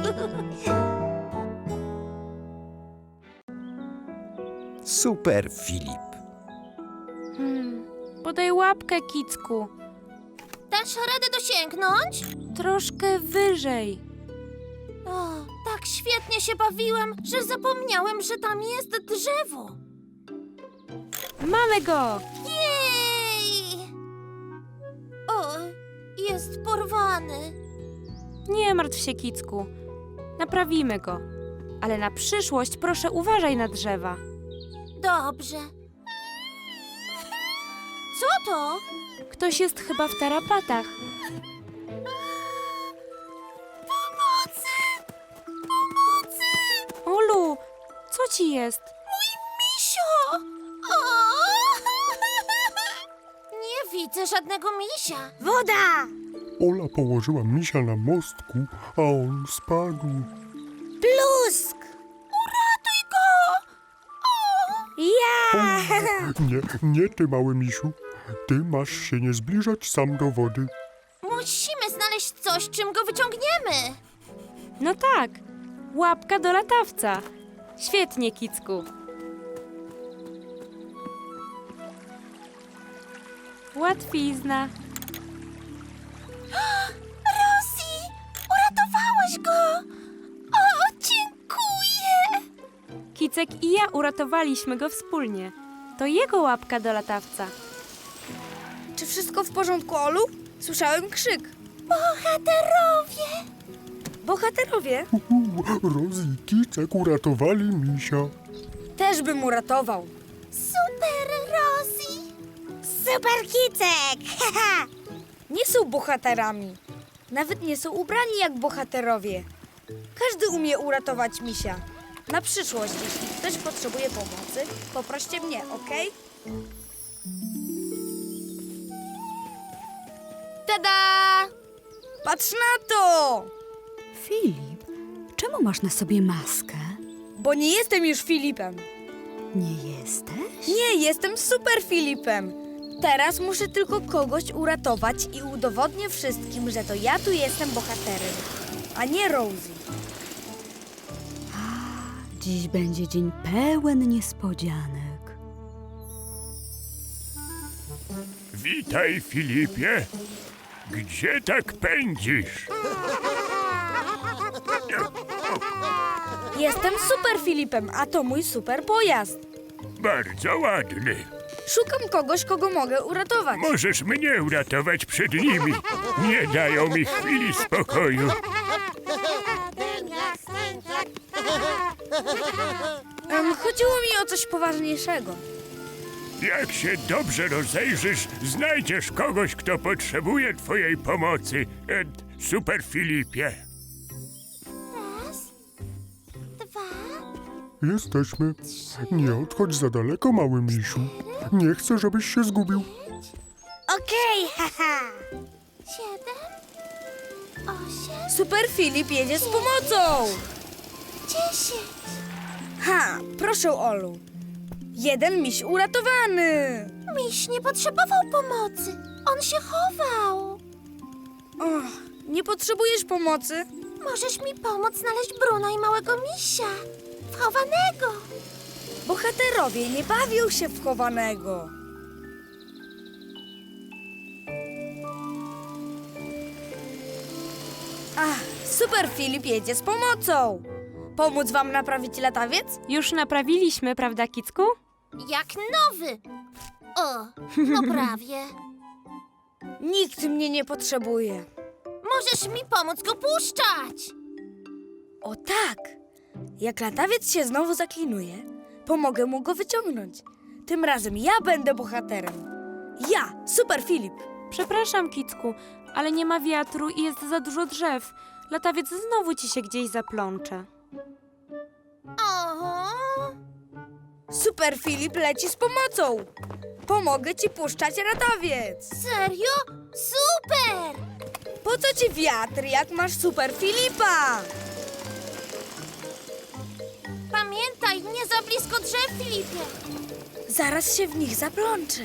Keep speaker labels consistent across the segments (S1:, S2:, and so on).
S1: Super Filip.
S2: Podaj łapkę, Kicku.
S3: Dasz radę dosięgnąć?
S2: Troszkę wyżej.
S3: O, tak świetnie się bawiłem, że zapomniałem, że tam jest drzewo.
S2: Mamy go!
S3: Jej! O, jest porwany.
S2: Nie martw się, Kicku. Naprawimy go. Ale na przyszłość proszę uważaj na drzewa.
S3: Dobrze. Co to?
S2: Ktoś jest chyba w tarapatach.
S3: Pomocy! Pomocy!
S2: Olu, co ci jest?
S3: Misio! O! Nie widzę żadnego misia. Woda!
S4: Ola położyła misia na mostku, a on spadł.
S3: Plusk! Uratuj go! Ja!
S4: Nie ty, mały misiu. Ty masz się nie zbliżać sam do wody.
S3: Musimy znaleźć coś, czym go wyciągniemy.
S2: No tak, łapka do latawca. Świetnie, Kicku. Łatwizna.
S3: Rosie, uratowałaś go! O, dziękuję!
S2: Kicek i ja uratowaliśmy go wspólnie. To jego łapka do latawca.
S5: Czy wszystko w porządku, Olu? Słyszałem krzyk.
S3: Bohaterowie!
S5: Bohaterowie?
S4: Rozy i Kicek uratowali misia.
S5: Też bym uratował.
S3: Super Rosie! Super Kicek!
S5: Nie są bohaterami. Nawet nie są ubrani jak bohaterowie. Każdy umie uratować misia. Na przyszłość, jeśli ktoś potrzebuje pomocy, poproście mnie, okej?
S3: Tada!
S5: Patrz na to!
S6: Filip, czemu masz na sobie maskę?
S5: Bo nie jestem już Filipem.
S6: Nie jesteś?
S5: Nie, jestem super Filipem. Teraz muszę tylko kogoś uratować i udowodnię wszystkim, że to ja tu jestem bohaterem, a nie Rosie.
S6: Dziś będzie dzień pełen niespodzianek.
S7: Witaj, Filipie. Gdzie tak pędzisz?
S5: Jestem super Filipem, a to mój super pojazd.
S7: Bardzo ładny.
S5: Szukam kogoś, kogo mogę uratować.
S7: Możesz mnie uratować przed nimi. Nie dają mi chwili spokoju.
S5: Chodziło mi o coś poważniejszego.
S7: Jak się dobrze rozejrzysz, znajdziesz kogoś, kto potrzebuje twojej pomocy. Super Filipie.
S3: Raz, dwa,
S4: Jesteśmy. Nie odchodź za daleko, mały misiu. Nie chcę, żebyś się zgubił.
S3: okej, haha. 7, 8,
S5: Super Filip jedzie z pomocą.
S3: 10.
S5: Ha, proszę, Olu. Jeden miś uratowany.
S3: Miś nie potrzebował pomocy. On się chował.
S5: Och, nie potrzebujesz pomocy?
S3: Możesz mi pomóc znaleźć Bruna i małego misia. Wchowanego.
S5: Bohaterowie nie bawią się w chowanego. Ach, super Filip jedzie z pomocą. Pomóc wam naprawić latawiec?
S2: Już naprawiliśmy, prawda, Kicku?
S3: Jak nowy. O, no prawie.
S5: Nikt mnie nie potrzebuje.
S3: Możesz mi pomóc go puszczać.
S5: O tak! Jak latawiec się znowu zaklinuje, pomogę mu go wyciągnąć. Tym razem ja będę bohaterem. Ja, super Filip.
S2: Przepraszam, Kicku, ale nie ma wiatru i jest za dużo drzew. Latawiec znowu ci się gdzieś zaplącze.
S3: O,
S5: Super Filip leci z pomocą. Pomogę ci puszczać latawiec.
S3: serio? Super!
S5: Po co ci wiatr, jak masz super Filipa?
S3: Pamiętaj, nie za blisko drzew, Filipie.
S5: Zaraz się w nich zaplączę.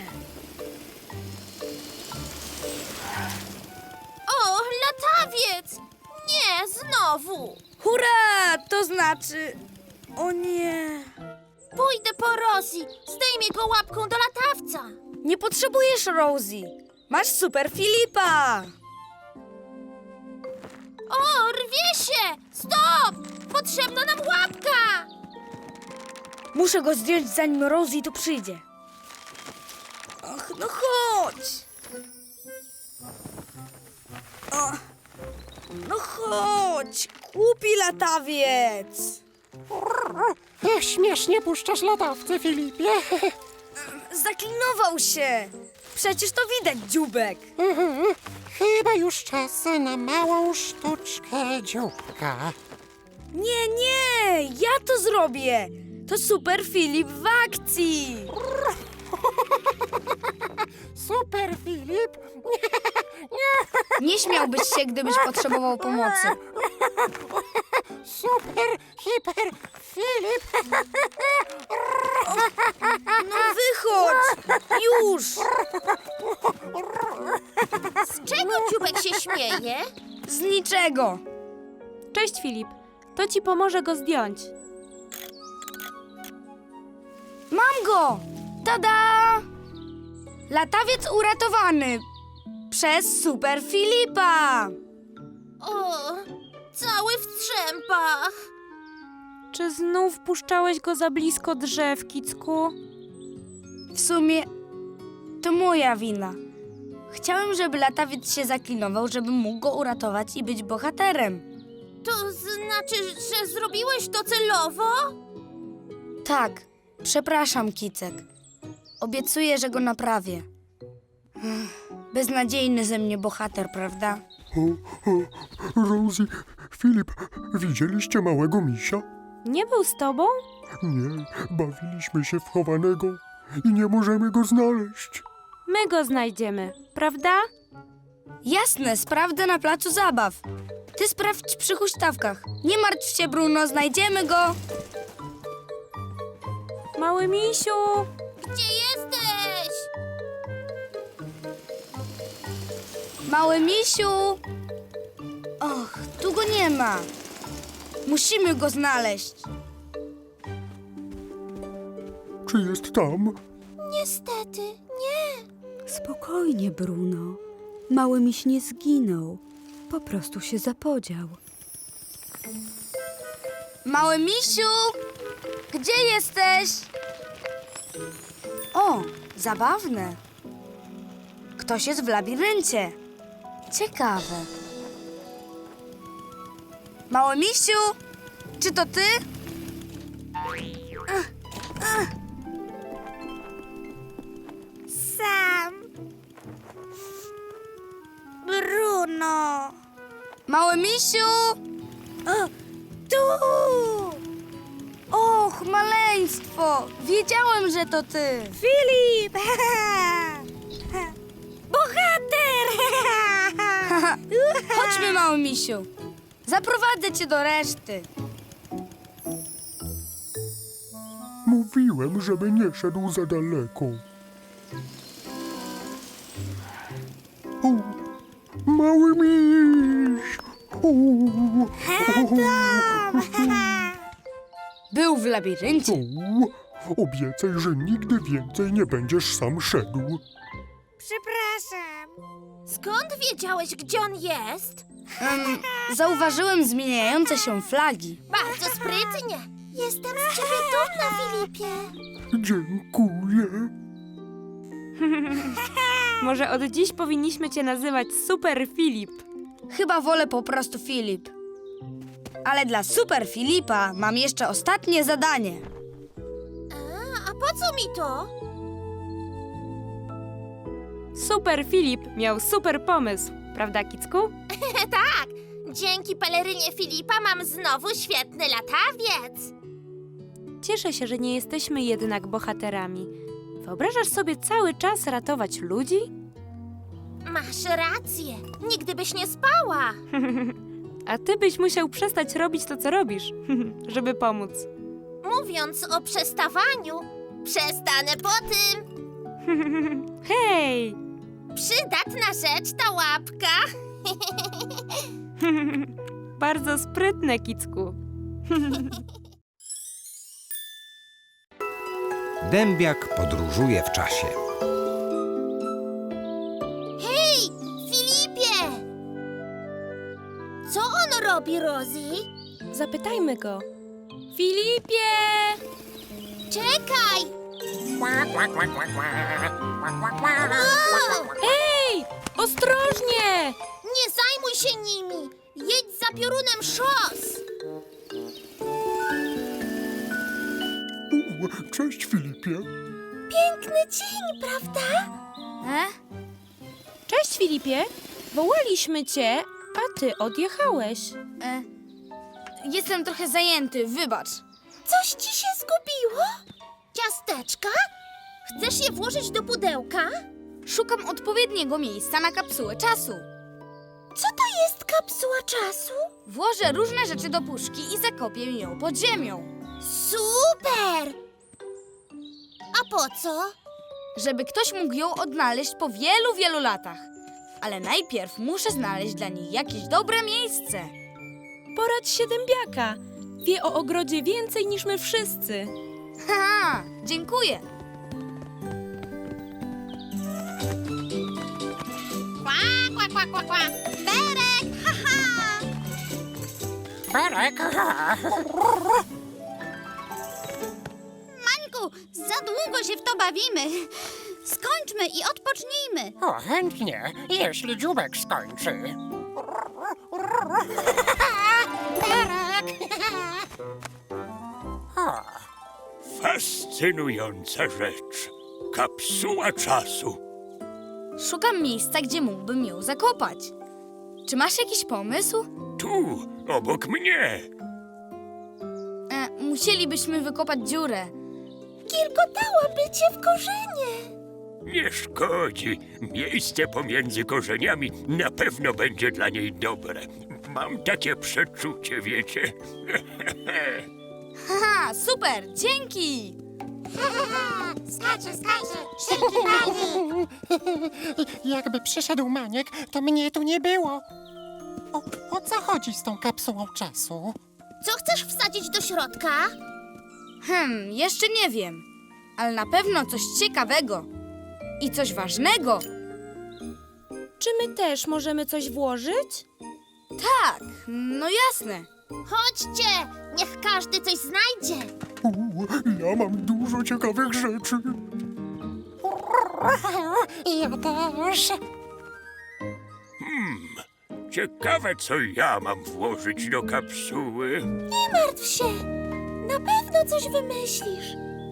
S3: O, latawiec! Nie, Nie, znowu.
S5: Hurra! To znaczy... O nie...
S3: Pójdę po Rosie. Zdejmie go łapką do latawca.
S5: Nie potrzebujesz Rosie. Masz Super Filipa.
S3: O, rwie się! Stop! Potrzebna nam łapka!
S5: Muszę go zdjąć, zanim Rosie tu przyjdzie. Ach, no chodź. O, no chodź, głupi latawiec.
S1: Śmiesznie puszczasz latawce, Filipie.
S5: Zaklinował się. Przecież to widać, dziubek.
S1: Chyba już czas na małą sztuczkę dzióbka.
S5: Nie, nie, ja to zrobię. To Super Filip w akcji.
S1: Super, Filip.
S5: Nie śmiałbyś się, gdybyś potrzebował pomocy.
S1: Super, hiper, Filip.
S5: No wychodź, już.
S3: Z czego dziubek się śmieje?
S5: Z niczego.
S2: Cześć, Filip. To ci pomoże go zdjąć.
S5: Mam go! Tada! Latawiec uratowany przez Super Filipa.
S3: O, cały w strzępach.
S2: Czy znów puszczałeś go za blisko drzew, Kicku?
S5: W sumie to moja wina. Chciałem, żeby latawiec się zaklinował, żebym mógł go uratować i być bohaterem.
S3: To znaczy, że zrobiłeś to celowo?
S5: Tak, przepraszam, Kicek. Obiecuję, że go naprawię. Beznadziejny ze mnie bohater, prawda?
S4: Rosie, Filip, widzieliście małego misia?
S2: Nie był z tobą?
S4: Nie, bawiliśmy się w chowanego i nie możemy go znaleźć.
S2: My go znajdziemy, prawda?
S5: Jasne, sprawdzę na placu zabaw. Ty sprawdź przy huśtawkach. Nie martw się, Bruno, znajdziemy go.
S2: Mały misiu!
S3: Gdzie jesteś?
S5: Mały misiu! Och, tu go nie ma. Musimy go znaleźć.
S4: Czy jest tam?
S3: Niestety, nie.
S6: Spokojnie, Bruno. Mały miś nie zginął. Po prostu się zapodział.
S5: Mały misiu! Gdzie jesteś? O, zabawne. Ktoś jest w labiryncie. Ciekawe. Mały misiu! Czy to ty? Sam. Bruno. Mały misiu! Tu! Och, maleństwo! Wiedziałem, że to ty! Filip! Bohater! Chodźmy, mały misiu. Zaprowadzę cię do reszty.
S4: Mówiłem, żeby nie szedł za daleko. O, mały miś! O,
S5: Był w labiryncie.
S4: obiecaj, że nigdy więcej nie będziesz sam szedł.
S5: Przepraszam.
S3: Skąd wiedziałeś, gdzie on jest?
S5: Zauważyłem zmieniające się flagi.
S3: Bardzo sprytnie. Jestem z ciebie dumna, Filipie.
S4: Dziękuję.
S2: Może od dziś powinniśmy cię nazywać Super Filip.
S5: Chyba wolę po prostu Filip. Ale dla Super Filipa mam jeszcze ostatnie zadanie.
S3: A po co mi to?
S2: Super Filip miał super pomysł, prawda, Kicku?
S3: Tak, dzięki pelerynie Filipa mam znowu świetny latawiec.
S2: Cieszę się, że nie jesteśmy jednak bohaterami. Wyobrażasz sobie cały czas ratować ludzi?
S3: Masz rację, nigdy byś nie spała.
S2: A ty byś musiał przestać robić to, co robisz, żeby pomóc.
S3: Mówiąc o przestawaniu, przestanę po tym.
S2: Hej!
S3: Przydatna rzecz ta łapka.
S2: bardzo sprytne, Kicku.
S8: Dębiak podróżuje w czasie.
S3: Hej, Filipie! Co on robi, Rosie?
S2: Zapytajmy go. Filipie!
S3: Czekaj!
S2: Ej, ostrożnie!
S3: Nie zajmuj się nimi! Jedź za piorunem szos!
S4: Cześć, Filipie.
S3: Piękny dzień, prawda?
S2: Cześć, Filipie. Wołaliśmy cię, a ty odjechałeś.
S5: Jestem trochę zajęty, wybacz.
S3: Coś ci się zgubiło? Ciasteczka? Chcesz je włożyć do pudełka?
S5: Szukam odpowiedniego miejsca na kapsułę czasu.
S3: Co to jest kapsuła czasu?
S5: Włożę różne rzeczy do puszki i zakopię ją pod ziemią.
S3: Super! A po co?
S5: Żeby ktoś mógł ją odnaleźć po wielu, wielu latach. Ale najpierw muszę znaleźć dla niej jakieś dobre miejsce.
S2: Poradź się dębiaka. Wie o ogrodzie więcej niż my wszyscy.
S5: Haha, dziękuję.
S3: Berek! Haha!
S1: Berek.
S3: Mańku, za długo się w to bawimy. Skończmy i odpocznijmy.
S1: O, chętnie, jeśli dziubek skończy. Berek. O,
S7: Fascynująca rzecz. Kapsuła czasu.
S5: Szukam miejsca, gdzie mógłbym ją zakopać. Czy masz jakiś pomysł?
S7: Tu, obok mnie.
S5: Musielibyśmy wykopać dziurę.
S3: Kilkotałaby cię w korzenie.
S7: Nie szkodzi. Miejsce pomiędzy korzeniami na pewno będzie dla niej dobre. Mam takie przeczucie, wiecie.
S5: Haha, super, dzięki!
S3: Skacze, szybki pani.
S1: jakby przyszedł Maniek, to mnie tu nie było. O co chodzi z tą kapsułą czasu?
S3: Co chcesz wsadzić do środka?
S5: Jeszcze nie wiem, ale na pewno coś ciekawego i coś ważnego.
S2: Czy my też możemy coś włożyć?
S5: Tak, no jasne.
S3: Chodźcie, niech każdy coś znajdzie.
S4: Ja mam dużo ciekawych rzeczy.
S1: Ja też.
S7: Ciekawe, co ja mam włożyć do kapsuły.
S3: Nie martw się, na pewno coś wymyślisz.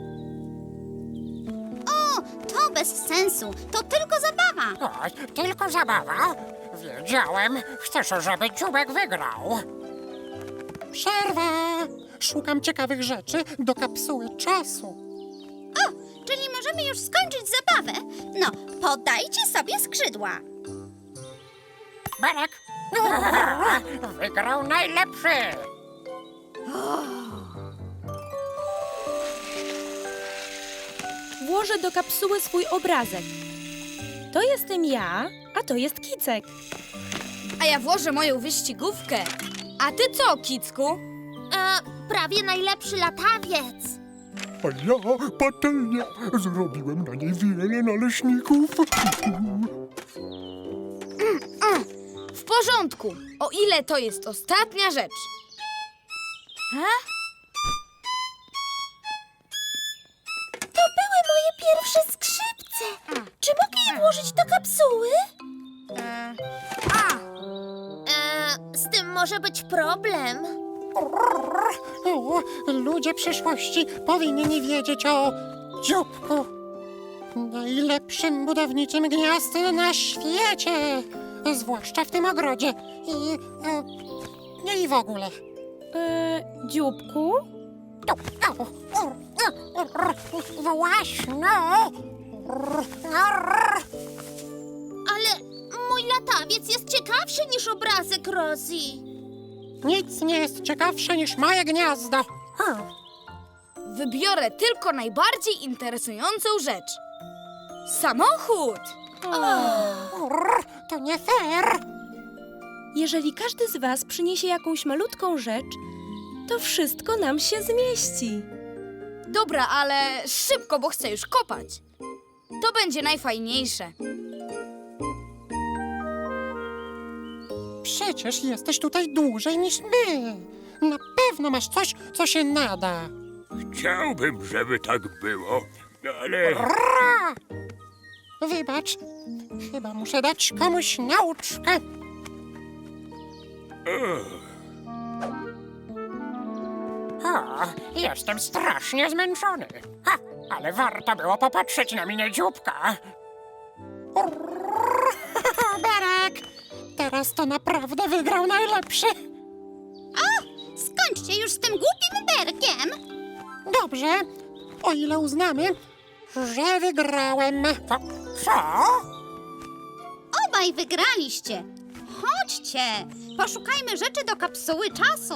S3: O, to bez sensu, to tylko zabawa.
S1: O, tylko zabawa. Wiedziałem. Chcesz, żeby dziubek wygrał. Przerwa. Szukam ciekawych rzeczy do kapsuły czasu.
S3: Czyli możemy już skończyć zabawę. No, podajcie sobie skrzydła.
S1: Berek. Wygrał najlepszy.
S2: Włożę do kapsuły swój obrazek. To jestem ja, a to jest Kicek.
S5: A ja włożę moją wyścigówkę. A ty co, Kicku?
S3: Prawie najlepszy latawiec.
S4: A ja patelnia. Zrobiłem na niej wiele naleśników.
S5: W porządku, o ile to jest ostatnia rzecz.
S3: To były moje pierwsze skrzypce. Czy mogę je włożyć do kapsuły? Z tym może być problem.
S1: O, ludzie przyszłości powinni wiedzieć o dzióbku. Najlepszym budowniczym gniazd na świecie. Zwłaszcza w tym ogrodzie. I w ogóle.
S2: Dzióbku?
S1: Właśnie.
S3: Ale mój latawiec jest ciekawszy niż obrazek Rosie.
S1: Nic nie jest ciekawsze niż moje gniazdo.
S5: Wybiorę tylko najbardziej interesującą rzecz. Samochód!
S1: To nie fair.
S2: Jeżeli każdy z was przyniesie jakąś malutką rzecz, to wszystko nam się zmieści.
S5: Dobra, ale szybko, bo chcę już kopać. To będzie najfajniejsze.
S1: Przecież jesteś tutaj dłużej niż my. Na pewno masz coś, co się nada.
S7: Chciałbym, żeby tak było, ale...
S1: Ra! Wybacz, chyba muszę dać komuś nauczkę. O, jestem strasznie zmęczony. Ha, ale warto było popatrzeć na minę dzióbka. Berek! Teraz to naprawdę wygrał najlepszy.
S3: Skończcie już z tym głupim berkiem!
S1: Dobrze, o ile uznamy, że wygrałem. Co?
S3: Obaj wygraliście! Chodźcie! Poszukajmy rzeczy do kapsuły czasu!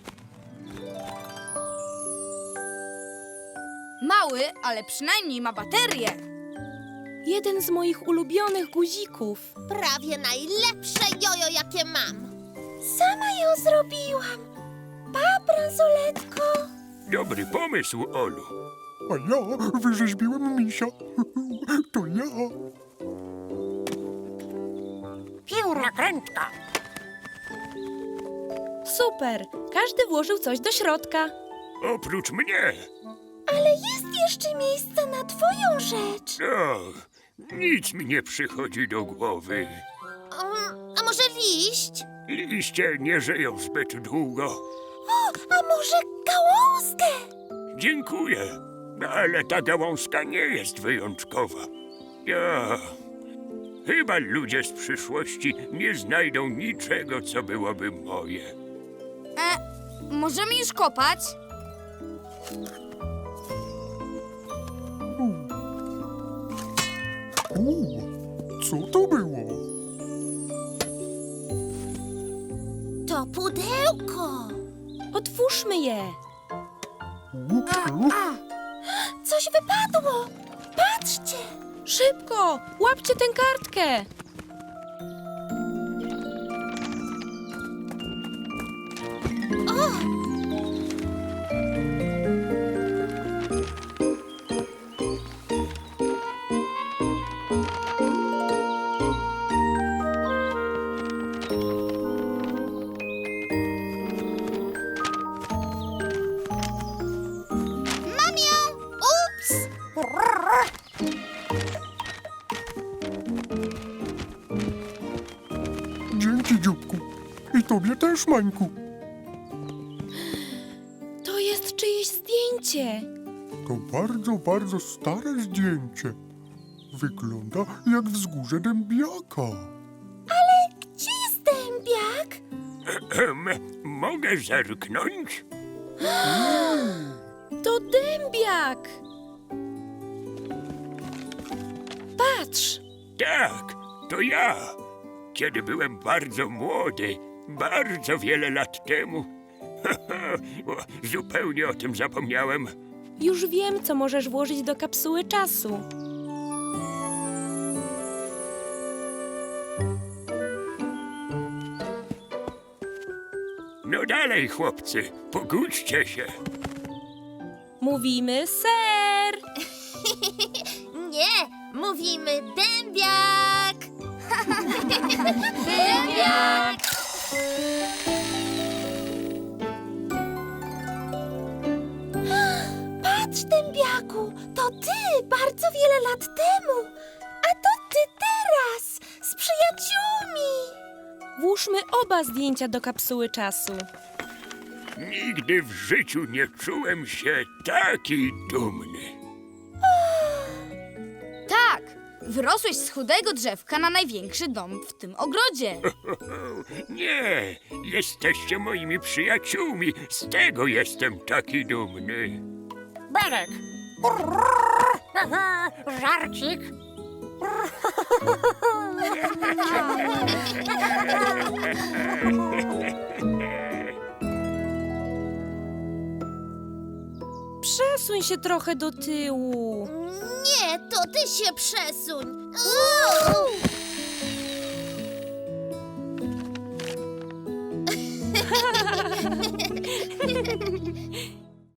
S5: Mały, ale przynajmniej ma baterię.
S2: Jeden z moich ulubionych guzików.
S3: Prawie najlepsze jojo, jakie mam! Sama ją zrobiłam! Pa, bransoletko!
S7: Dobry pomysł, Olu.
S4: A ja wyrzeźbiłem misia. To ja.
S1: Piórokrętka.
S2: Super! Każdy włożył coś do środka.
S7: Oprócz mnie.
S3: Ale jest jeszcze miejsce na twoją rzecz!
S7: O, nic mi nie przychodzi do głowy.
S3: A może liść?
S7: Liście nie żyją zbyt długo.
S3: O, a może gałązkę?
S7: Dziękuję, ale ta gałązka nie jest wyjątkowa. Ja... Chyba ludzie z przyszłości nie znajdą niczego, co byłoby moje.
S5: Możemy już kopać?
S4: Co to było?
S3: To pudełko!
S2: Otwórzmy je.
S3: Coś wypadło! Patrzcie!
S2: Szybko! Łapcie tę kartkę!
S3: Mam ją! Ups!
S4: Dzięki, dzióbku. I tobie też, Mańku.
S2: To jest czyjeś zdjęcie.
S4: To bardzo, bardzo stare zdjęcie. Wygląda jak wzgórze dębiaka.
S3: Gdzie jest dębiak?
S7: Mogę zerknąć?
S2: To dębiak! Patrz!
S7: Tak, to ja. Kiedy byłem bardzo młody, bardzo wiele lat temu. Zupełnie o tym zapomniałem.
S2: Już wiem, co możesz włożyć do kapsuły czasu.
S7: No dalej, chłopcy, pogódźcie się.
S2: Mówimy ser!
S3: Nie, mówimy dębiak! Dębiak! Patrz, dębiaku, to ty bardzo wiele lat temu, a to ty teraz z przyjaciółmi.
S2: Włóżmy oba zdjęcia do kapsuły czasu.
S7: Nigdy w życiu nie czułem się taki dumny.
S5: Tak! Wyrosłeś z chudego drzewka na największy dom w tym ogrodzie.
S7: Nie, jesteście moimi przyjaciółmi. Z tego jestem taki dumny.
S1: Berek. Żarcik.
S2: Przesuń się trochę do tyłu.
S3: Nie, to ty się przesuń.